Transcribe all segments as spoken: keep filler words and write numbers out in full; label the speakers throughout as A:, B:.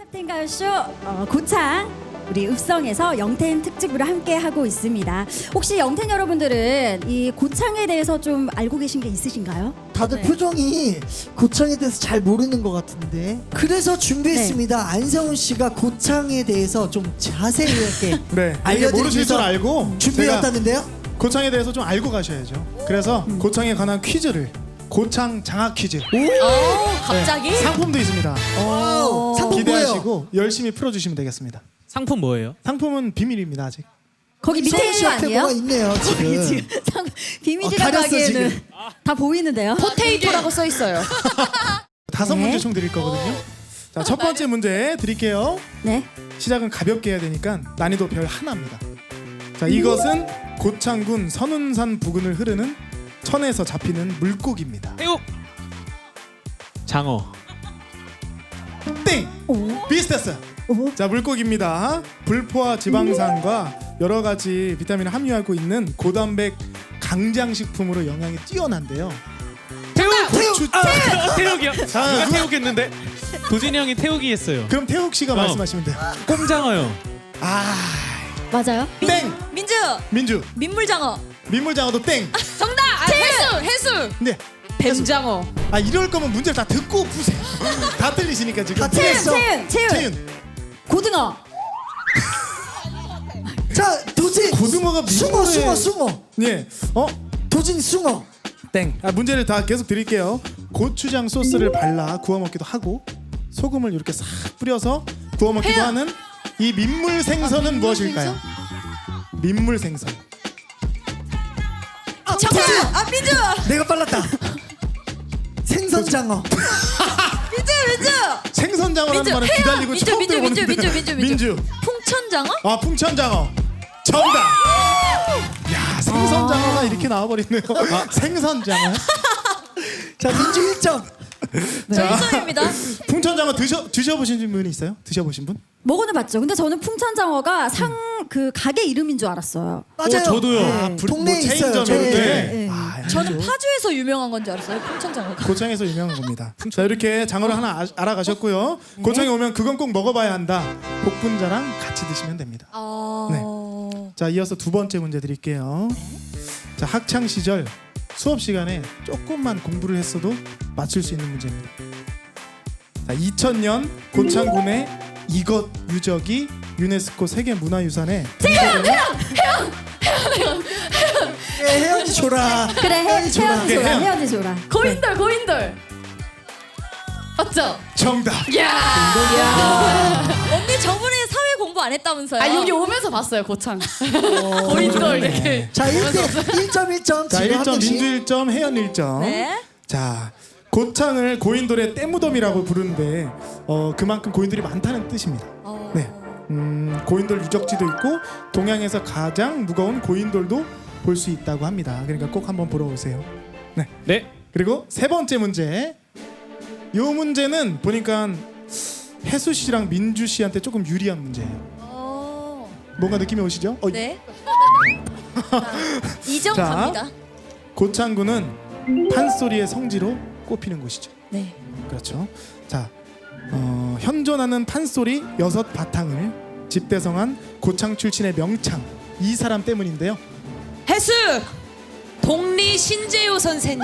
A: 탑텐 가요쇼 어, 고창 우리 읍성에서 영텐 특집으로 함께 하고 있습니다. 혹시 영텐 여러분들은 이 고창에 대해서 좀 알고 계신 게 있으신가요?
B: 다들
A: 네.
B: 표정이 고창에 대해서 잘 모르는 것 같은데 그래서 준비했습니다.
A: 네.
B: 안성훈 씨가 고창에 대해서 좀 자세히 이렇게
C: 네, 이게
B: 알려드리기
C: 모르실 줄
B: 위해서
C: 알고
B: 준비해왔다는데요.
C: 제가 고창에 대해서 좀 알고 가셔야죠. 그래서
B: 음.
C: 고창에 관한 퀴즈를 고창 장학 퀴즈
D: 오, 갑자기?
C: 네, 상품도 있습니다.
B: 오, 상품 뭐예요?
C: 기대하시고 열심히 풀어주시면 되겠습니다.
E: 상품 뭐예요?
C: 상품은 비밀입니다 아직.
A: 거기 밑에
B: 성훈
A: 있는 거
B: 씨한테
A: 아니에요?
B: 뭐가 있네요 지금.
A: 지금 상-
B: 어,
A: 비밀이라고
B: 가렸어,
A: 하기에는
B: 지금.
A: 다 보이는데요.
D: 포테이토라고 써 있어요.
C: 다섯
A: 네.
C: 문제 총 드릴 거거든요. 자, 첫 번째 문제 드릴게요.
A: 네.
C: 시작은 가볍게 해야 되니까 난이도 별 하나입니다. 자, 이것은 고창군 선운산 부근을 흐르는 천에서 잡히는 물고기입니다.
E: 태욱 장어
C: 땡! 비슷했어요.
A: 오.
C: 자, 물고기입니다. 불포화 지방산과 여러 가지 비타민을 함유하고 있는 고단백 강장식품으로 영양이 뛰어난데요.
E: 태욱
C: 고추...
E: 아, 태욱이요.
C: 자,
E: 누가
C: 누가-
E: 태욱했는데 도진이 형이 태욱이 했어요.
C: 그럼 태욱 씨가
E: 어.
C: 말씀하시면 돼요.
E: 꼼장어요.
C: 아,
A: 맞아요?
C: 땡!
D: 민주,
C: 민주.
D: 민물장어.
C: 민물장어도 땡.
D: 정답! 아, 해수! 해수!
C: 네.
D: 뱀장어.
C: 아, 이럴 거면 문제를 다 듣고 푸세요. 다 틀리시니까 지금.
B: 다 틀렸어.
A: 채윤, 채윤,
C: 채윤.
A: 고등어.
B: 자 도진
C: 고등어가
B: 숭어
C: 민물에-
B: 숭어 숭어
C: 예. 어?
B: 도진 숭어.
C: 땡. 아, 문제를 다 계속 드릴게요. 고추장 소스를 발라 구워 먹기도 하고 소금을 이렇게 싹 뿌려서 구워 먹기도
D: 해요.
C: 하는 이 민물 생선은
D: 민물
C: 무엇일까요? 민물 생선.
B: 아,
D: 정답!
B: 도진!
D: 아, 민주!
B: 내가 빨랐다. 생선장어.
D: 민주, 민주!
C: 생선장어라는
D: 민주,
C: 말을
D: 해요.
C: 기다리고
D: 민주,
C: 처음
D: 민주,
C: 들어보는데.
D: 민주, 민주, 민주,
C: 민주.
D: 풍천장어?
C: 아, 풍천장어. 정답. 야, 생선장어가 이렇게 나와버리네요. 아, 생선장어.
B: 자 민주 일 점.
D: 저 일 점입니다.
C: 풍천장어 드셔 드셔보신 분이 있어요? 드셔보신 분?
A: 먹어는 봤죠. 근데 저는 풍천장어가 상 그 가게 이름인 줄 알았어요.
B: 맞아요.
E: 저도요.
B: 네.
C: 불-
B: 동네에
C: 뭐
B: 있어요.
C: 체인점 이런
B: 네.
C: 데.
A: 네.
C: 아,
D: 저는 파주에서 유명한 건 줄 알았어요. 풍천장어가.
C: 고창에서 유명한 겁니다. 자, 이렇게 장어를 하나 아, 알아가셨고요. 고창에 오면 그건 꼭 먹어봐야 한다. 복분자랑 같이 드시면 됩니다.
D: 아...
C: 자, 이어서 두 번째 문제 드릴게요. 자, 학창 시절 수업 시간에 조금만 공부를 했어도 맞출 수 있는 문제입니다. 자, 이천 년 고창군의 이것 유적이 유네스코 세계문화유산에
B: 예, 혜연이 줘라.
A: 그래, 해,
B: 혜연이 줘라.
A: 혜연이 줘라,
C: 혜연.
A: 혜연이 줘라.
D: 고인돌, 고인돌! 맞죠?
C: 정답.
D: 야 언니 저번에 사회 공부 안 했다면서요?
F: 아 여기 오면서 봤어요 고창. 고인돌 이렇게.
B: 자 일 점 일 점 일 점.
C: 자,
B: 지금
C: 일
B: 한
C: 점
B: 명씩.
C: 민주 일 점 혜연 일 점.
D: 네.
C: 자, 고창을 고인돌의 떼무덤이라고 부르는데 어, 그만큼 고인돌이 많다는 뜻입니다.
D: 어...
C: 네. 음, 고인돌 유적지도 있고 동양에서 가장 무거운 고인돌도 볼 수 있다고 합니다. 그러니까 꼭 한번 보러 오세요. 네.
E: 네.
C: 그리고 세 번째 문제. 이 문제는 보니까 혜수 씨랑 민주 씨한테 조금 유리한 문제예요.
D: 어...
C: 뭔가 느낌이 오시죠? 어,
D: 네. 이 점
C: 자.
D: 갑니다.
C: 고창군은 판소리의 성지로 꼽히는 곳이죠.
D: 네.
C: 그렇죠. 자, 어, 현존하는 판소리 여섯 바탕을 집대성한 고창 출신의 명창 이 사람 때문인데요.
F: 해수 동리 신재호 선생님.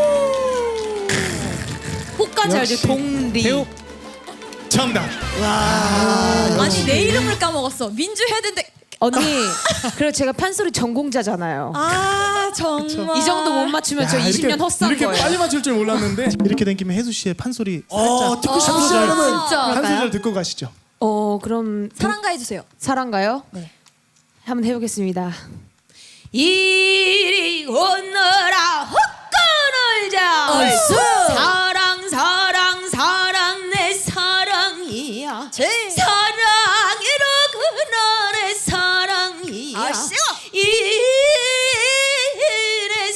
F: 혹까지 알죠?
C: 역시
F: 동리.
E: 태욱
C: 정답.
B: 와.
D: 아니 내 이름을 까먹었어. 민주 해야 되는데.
F: 언니, 그리고 제가 판소리 전공자잖아요.
D: 아 정말.
F: 이 정도 못 맞추면 저
C: 야,
F: 이십 년
C: 이렇게,
F: 헛산
C: 이렇게
F: 거예요.
C: 빨리 맞출 줄 몰랐는데 이렇게 된 김에 혜수 씨의 판소리
B: 어
C: 살짝
B: 듣고 싶으시죠
C: 소절.
B: 여러분.
F: 진짜.
C: 한 소절 듣고 가시죠.
F: 어 그럼
D: 사랑가 해주세요.
F: 사랑가요?
D: 네.
F: 한번 해보겠습니다. 이리 오너라 헛간을 자
D: 얼쑤!
F: 사랑 사랑 사랑 내 사랑이야
D: 제.
F: 사랑이로 그날의 사랑이야
D: 아, 쉬워!
F: 이래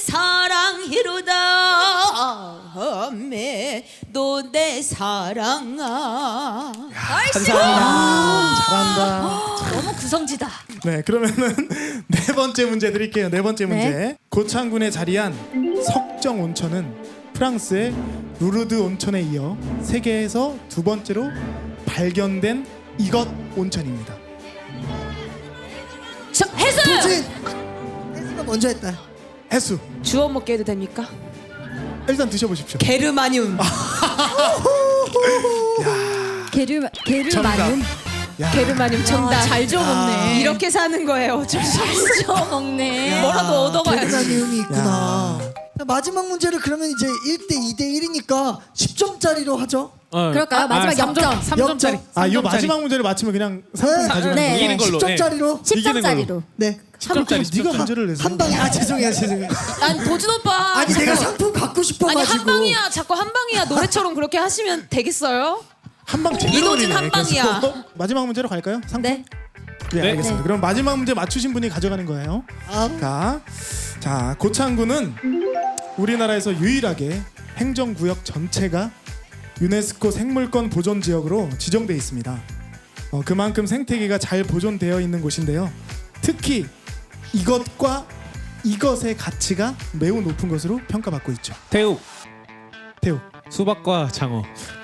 F: 사랑이로다 매도 내 사랑아
C: 감사합니다. 잘한다.
D: 너무 구성지다.
C: 네, 그러면은 네 번째 문제 드릴게요. 네 번째 문제.
A: 네.
C: 고창군에 자리한 석정 온천은 프랑스의 루르드 온천에 이어 세계에서 두 번째로 발견된 이것 온천입니다.
D: 저, 해수.
B: 도진 혜수가 먼저 했다.
C: 해수.
F: 주워 먹게 해도 됩니까?
C: 일단 드셔보십시오.
F: 게르마늄.
A: 게르 게르마늄.
C: 정답. 야,
F: 게르마늄 정답.
D: 잘 주워 먹네.
F: 이렇게 사는 거예요. 어쩔 수 없어.
D: 잘 주워 먹네.
F: 뭐라도 얻어가야지.
B: 게르마늄이 있구나. 마지막 문제를 그러면 이제 일 대 이 대 일이니까 십 점짜리로 하죠.
E: 어.
A: 그럴까요? 마지막 역점.
E: 삼 점짜리.
C: 아, 이 마지막 문제를 맞히면 그냥 상품
B: 네.
C: 가져가는
A: 네.
C: 거예요.
E: 이기는 걸로.
B: 십 점짜리로.
A: 십
E: 이기는
A: 점짜리로.
B: 네.
C: 상품 네가 문제를 내서.
B: 한 방에 아 죄송해요 죄송해요.
D: 난 도준 오빠.
B: 아니 내가 상품 갖고
F: 아니
B: 싶어가지고.
F: 한 방이야. 자꾸 한 방이야. 노래처럼 그렇게 하시면 되겠어요?
C: 한방 제대로
F: 이도진
C: 올리네.
F: 한 방이야.
C: 그래서 마지막 문제로 갈까요? 상품?
A: 네.
C: 네,
E: 네.
C: 알겠습니다. 그럼 마지막 문제 맞추신 분이 가져가는 거예요.
B: 아,
C: 자, 자 고창군은 우리나라에서 유일하게 행정구역 전체가 유네스코 생물권 보존 지역으로 지정돼 있습니다. 어, 그만큼 생태계가 잘 보존되어 있는 곳인데요. 특히 이것과 이것의 가치가 매우 높은 것으로 평가받고 있죠.
E: 태욱.
C: 태우
E: 수박과 장어.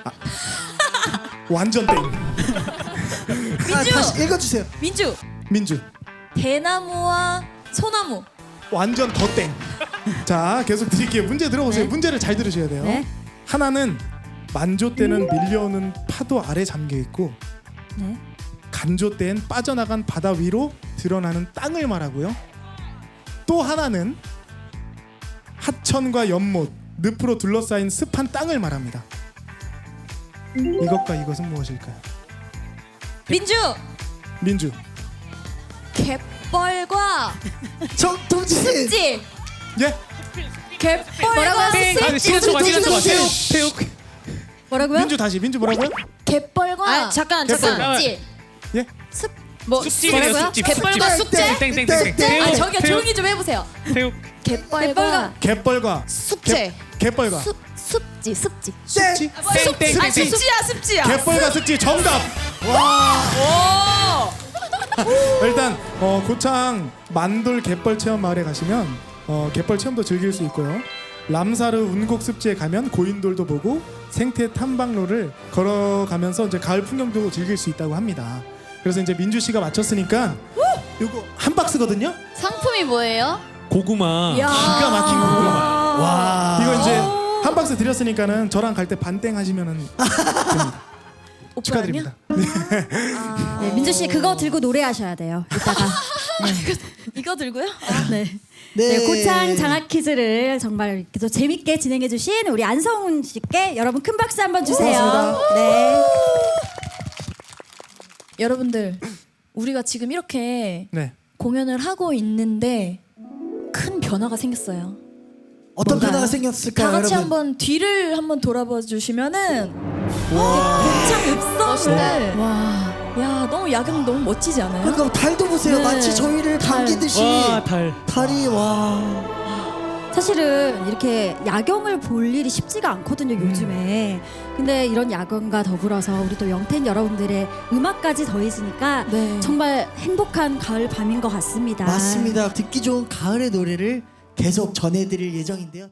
C: 완전 땡.
B: 아 다시 읽어주세요.
D: 민주.
C: 민주
D: 대나무와 소나무.
C: 완전 더 땡. 자 계속 드릴게요. 문제 들어보세요.
A: 네.
C: 문제를 잘 들으셔야 돼요.
A: 네.
C: 하나는 만조 때는 밀려오는 파도 아래 잠겨 있고
A: 네.
C: 간조 때엔 빠져나간 바다 위로 드러나는 땅을 말하고요. 또 하나는 하천과 연못, 늪으로 둘러싸인 습한 땅을 말합니다. 이것과 이것은 무엇일까요?
D: 민주.
C: 민주.
D: 갯벌과
B: 정 동진.
D: 습지.
C: 예?
D: 갯벌과
E: 땡. 아,
D: 습지.
E: 시간 초과 시간 초과.
B: 도진,
E: 태욱. 태욱.
A: 뭐라고요?
C: 민주 다시 민주 뭐라고요?
D: 갯벌과
F: 아 잠깐 잠깐.
D: 습지.
C: 예?
D: 뭐
E: 습지네요.
D: 뭐라고요?
E: 습지.
D: 갯벌과
B: 습지.
D: 숙제.
E: 땡땡땡땡.
B: 땡.
D: 아
E: 태욱.
D: 저기요
E: 태욱.
D: 조용히 좀 해보세요.
E: 태욱.
D: 갯벌과
C: 갯벌과
F: 숙제.
C: 갯벌과
D: 습 습지 습지.
C: 습지?
E: 땡땡땡.
F: 아 습지야 습지야.
C: 갯벌과 습지 정답.
F: 오.
C: 일단 어, 고창 만돌 갯벌 체험 마을에 가시면 어, 갯벌 체험도 즐길 수 있고요. 람사르 운곡 습지에 가면 고인돌도 보고 생태 탐방로를 걸어가면서 이제 가을 풍경도 즐길 수 있다고 합니다. 그래서 이제 민주 씨가 맞췄으니까 이거 한 박스거든요.
D: 상품이 뭐예요?
E: 고구마.
C: 기가 막힌 고구마.
B: 와.
C: 이거 이제 한 박스 드렸으니까는 저랑 갈 때 반땡 하시면은 됩니다. 축하드립니다.
A: 네, 민주 씨 그거 들고 노래하셔야 돼요. 이따가.
D: 이거 들고요?
A: 네.
B: 네.
A: 네, 고창 장학 퀴즈를 정말 이렇게 또 재밌게 진행해주신 우리 안성훈 씨께 여러분 큰 박수 한번 주세요.
C: 고맙습니다.
A: 네.
D: 여러분들 우리가 지금 이렇게
C: 네.
D: 공연을 하고 있는데 큰 변화가 생겼어요.
B: 어떤
A: 뭔가요?
B: 변화가 생겼을까요,
D: 다 같이
B: 여러분?
D: 한번 뒤를 한번 돌아봐 주시면은 고창 읍성을 와, 야 너무 야경 너무 멋지지 않아요?
B: 그러니까 달도 보세요.
D: 네.
B: 마치 저희를
D: 달.
B: 반기듯이
E: 와 달.
B: 달이 와.
A: 사실은 이렇게 야경을 볼 일이 쉽지가 않거든요 요즘에. 근데 이런 야경과 더불어서 우리 또 영텐 여러분들의 음악까지 더해지니까
D: 네.
A: 정말 행복한 가을 밤인 것 같습니다.
B: 맞습니다. 듣기 좋은 가을의 노래를 계속 전해드릴 예정인데요.